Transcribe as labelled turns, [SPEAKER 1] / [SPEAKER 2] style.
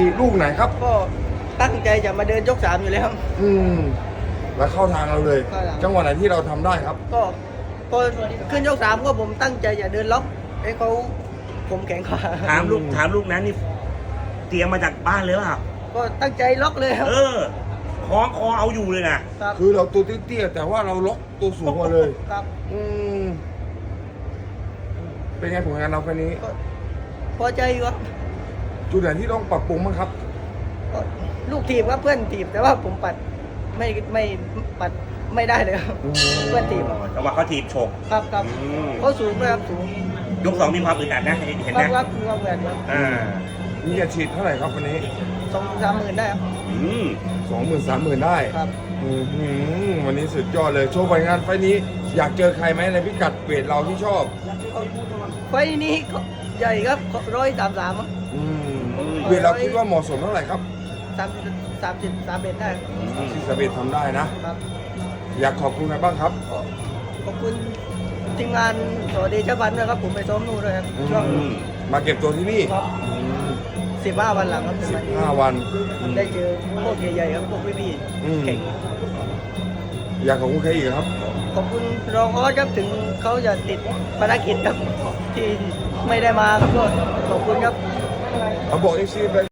[SPEAKER 1] ลูกไหนครับ
[SPEAKER 2] ก็ตั้งใจจะมาเดินยก3อยู่แล้ว
[SPEAKER 1] แล้วเข้าทางเราเลย
[SPEAKER 2] เข้าทาง
[SPEAKER 1] จังหวะไหนที่เราทำได้ครับ
[SPEAKER 2] ก็พอขึ้นยก3ก็ผมตั้งใจจะเดินล็อกให้เขาผมแข็งกว่า
[SPEAKER 3] ถามลูกนั้นนี่เตรียมมาจากบ้านเลยเปล่า
[SPEAKER 2] ก็ตั้งใจล็อกเลยครับ
[SPEAKER 3] คล้องคอเอาอยู่เลยนะครับ
[SPEAKER 1] คือเราตัวเตี้ยๆแต่ว่าเราล็อกตัวสูงมาเลย
[SPEAKER 2] ครับ
[SPEAKER 1] อืมเป็นไงผลงานเราแค่นี้
[SPEAKER 2] ก็พอใจอยู่ครับ
[SPEAKER 1] จุดไหนที่ต้องปรับปรุงบ้างครับ
[SPEAKER 2] ก็ลูกทีมครับเพื่อนทีมแต่ว่าผมปัดไม่ปัดไม่ได้เลยครับเพื่อนทีม
[SPEAKER 3] จังหวะเขาถีบฉก
[SPEAKER 2] ครับครับ
[SPEAKER 3] อืม
[SPEAKER 2] เขาสูงเลยครับสูง
[SPEAKER 3] ยก 2มีความอึดอัดนะเห็น
[SPEAKER 2] ครับ
[SPEAKER 3] นะครับ
[SPEAKER 2] มีความเหมือนครับ
[SPEAKER 1] มีอาชีพเท่าไหร่ครับวันนี้
[SPEAKER 2] 2-3 หมื่นได้ครับ
[SPEAKER 3] อืม
[SPEAKER 1] 20,000-30,000ได้
[SPEAKER 2] ครับ
[SPEAKER 1] วันนี้สุดยอดเลยโชว์ผลงานไฟล์นี้ อยากเจอใครไหมในพิกัดเวทเราที่ชอบ
[SPEAKER 2] ไฟล์นี้ก็ใหญ่ครับ133ครับ
[SPEAKER 1] เวทเราคิดว่าเหมาะสมเท่าไหร่ครับ
[SPEAKER 2] 30 31ได้
[SPEAKER 1] ที่สเบททำได้นะ
[SPEAKER 2] ครับ
[SPEAKER 1] อยากขอบคุณใครบ้างครับ
[SPEAKER 2] ก็ขอบคุณทีมงานสวัสดีเจ้าพันธุ์ด้วยครับผมไปซ้อมนู่นด้วยครับช่วง
[SPEAKER 1] มาเก็บตัวที่นี่
[SPEAKER 2] ครับ15 วันหลังครับเป็นวันนี้
[SPEAKER 1] 5 วัน
[SPEAKER 2] ได้เจอพวกใหญ่ๆครับพวกพี่
[SPEAKER 1] อืม
[SPEAKER 2] ๆเก่ง
[SPEAKER 1] อยากขอบคุณใครอีกครับ
[SPEAKER 2] ขอบคุณรองออสครับถึงเขาจะติดภารกิจครับที่ไม่ได้มาครับก็ขอบคุณครับ
[SPEAKER 1] เอาบอกเอฟซีไป